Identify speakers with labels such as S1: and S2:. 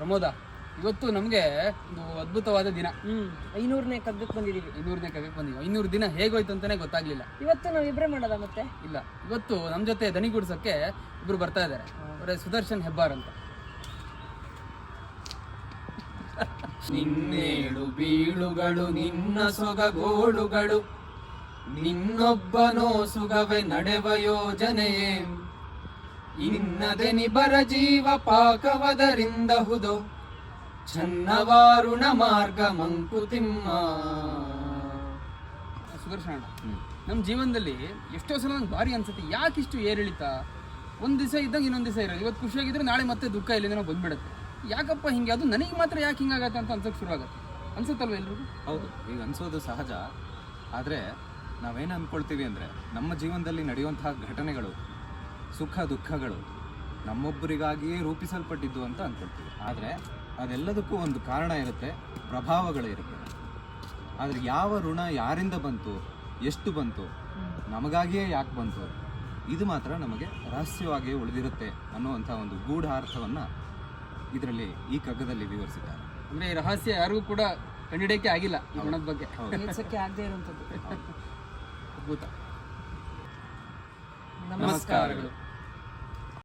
S1: ಪ್ರಮೋದ, ಇವತ್ತು ನಮಗೆ ಒಂದು ಅದ್ಭುತವಾದ ದಿನ.
S2: 500ನೇ ಕಗ್ಗಕ್ಕೆ ಬಂದಿದ್ದೀವಿ.
S1: 500ನೇ ಕಗ್ಗಕ್ಕೆ ಬಂದಿವಿ. 500 ದಿನ ಹೇಗೋಯ್ತು ಅಂತಾನೆ ಗೊತ್ತಾಗ್ಲಿಲ್ಲ.
S2: ಇವತ್ತು ನಾವು ಇಬ್ಬರೇ ಮಾಡೋದ ಮತ್ತೆ?
S1: ಇಲ್ಲ, ಇವತ್ತು ನಮ್ಮ ಜೊತೆ ದನಿಗೂಡ್ಸಕ್ಕೆ ಇಬ್ರು ಬರ್ತಾ ಇದ್ದಾರೆ. ಅವರೇ ಸುದರ್ಶನ್ ಹೆಬ್ಬಾರ್ ಅಂತ. ನಿನ್ನೇಳು ಬೀಳುಗಳು ನಿನ್ನ ಸೊಗಗೋಳುಗಳು, ನಿನ್ನೊಬ್ಬನೋ ಸುಗವೆ ನಡೆವ ಯೋಜನೆಯೇ, ಇನ್ನದೆ ನಿಬರ ಜೀವ ಪಾಕವದರಿಂದ ಹುದೋ ಚನ್ನವಾರುಣ ಮಾರ್ಗ ಮಂಕುತಿಮ್ಮ. ಸುದರ್ಶನ, ನಮ್ಮ ಜೀವನದಲ್ಲಿ ಎಷ್ಟೋ ಸಲ ನಂಗೆ ಭಾರಿ ಅನ್ಸುತ್ತೆ, ಯಾಕಿಷ್ಟು ಏರಿಳಿತ? ಒಂದು ದಿವಸ ಇದ್ದಂಗೆ ಇನ್ನೊಂದು ದಿವಸ ಇರೋದು. ಇವತ್ತು ಖುಷಿಯಾಗಿದ್ರೆ ನಾಳೆ ಮತ್ತೆ ದುಃಖ ಇಲ್ಲಿಂದ ಬಂದ್ಬಿಡುತ್ತೆ. ಯಾಕಪ್ಪ ಹಿಂಗೆ? ಅದು ನನಗೆ ಮಾತ್ರ ಯಾಕೆ ಹಿಂಗಾಗತ್ತೆ ಅಂತ ಅನ್ಸೋಕೆ ಶುರುವಾಗುತ್ತೆ. ಅನ್ಸುತ್ತಲ್ವ ಎಲ್ರಿಗೂ?
S3: ಹೌದು, ಈಗ ಅನ್ಸೋದು ಸಹಜ. ಆದರೆ ನಾವೇನು ಅಂದ್ಕೊಳ್ತೀವಿ ಅಂದರೆ, ನಮ್ಮ ಜೀವನದಲ್ಲಿ ನಡೆಯುವಂತಹ ಘಟನೆಗಳು, ಸುಖ ದುಃಖಗಳು ನಮ್ಮೊಬ್ಬರಿಗಾಗಿಯೇ ರೂಪಿಸಲ್ಪಟ್ಟಿದ್ದು ಅಂತ ಅಂದ್ಕೊಳ್ತೀವಿ. ಆದರೆ ಅದೆಲ್ಲದಕ್ಕೂ ಒಂದು ಕಾರಣ ಇರುತ್ತೆ, ಪ್ರಭಾವಗಳು ಇರುತ್ತೆ. ಆದರೆ ಯಾವ ಋಣ ಯಾರಿಂದ ಬಂತು, ಎಷ್ಟು ಬಂತು, ನಮಗಾಗಿಯೇ ಯಾಕೆ ಬಂತು, ಇದು ಮಾತ್ರ ನಮಗೆ ರಹಸ್ಯವಾಗಿಯೇ ಉಳಿದಿರುತ್ತೆ ಅನ್ನುವಂಥ ಒಂದು ಗೂಢಾರ್ಥವನ್ನು ಇದರಲ್ಲಿ, ಈ ಕಗ್ಗದಲ್ಲಿ ವಿವರಿಸಿದ್ದಾರೆ.
S1: ಅಂದರೆ ಈ ರಹಸ್ಯ ಯಾರಿಗೂ ಕೂಡ ಕಂಡಿಡಿಯಕ್ಕೆ ಆಗಿಲ್ಲ ಈ ಗುಣದ ಬಗ್ಗೆ.
S2: ಕೆಲಸಕ್ಕೆ ಆಗದೆ ಇರುವಂಥದ್ದು.
S1: ಅದ್ಭುತ.
S2: ನಮಸ್ಕಾರಗಳು.